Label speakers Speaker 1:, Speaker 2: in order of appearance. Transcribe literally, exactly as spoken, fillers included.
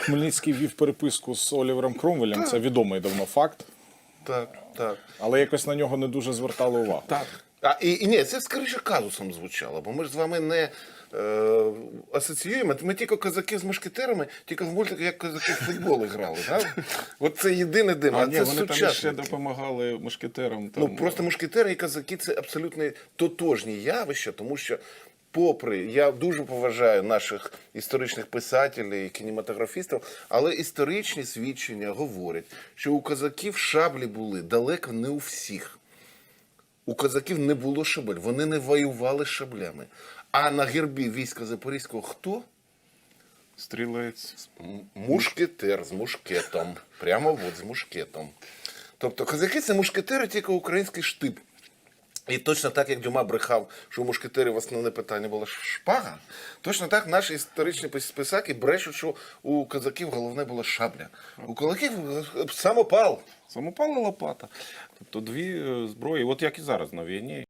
Speaker 1: Хмельницький вів переписку з Олівером Кромвелем, це відомий давно факт,
Speaker 2: Так, так.
Speaker 1: але якось на нього не дуже звертали увагу.
Speaker 2: Так. А, і, і ні, це скоріше казусом звучало, бо ми ж з вами не е, асоціюємо. Ми тільки козаки з мушкетерами, тільки в мультиках як козаки в футбол грали. Так? От це єдине дим, а,
Speaker 3: А
Speaker 2: це
Speaker 3: ні, вони там ще
Speaker 2: сучасники.
Speaker 3: допомагали мушкетерам. Там,
Speaker 2: Ну, просто мушкетери і козаки – це абсолютно тотожні явища, тому що попри, я дуже поважаю наших історичних писателів і кінематографістів, але історичні свідчення говорять, що у козаків шаблі були далеко не у всіх. У козаків не було шабель, вони не воювали шаблями. А на гербі війська Запорізького хто?
Speaker 3: Стрілець.
Speaker 2: М- Мушкетер з мушкетом. Прямо от з мушкетом. Тобто козаки – це мушкетери, тільки український штиб. І точно так, як Дюма брехав, що у мушкетерів основне питання була шпага, точно так наші історичні писаки брешуть, що у козаків головне була шабля. У козаків самопал.
Speaker 3: Самопал і лопата. Тобто дві е, зброї, от як і зараз на війні.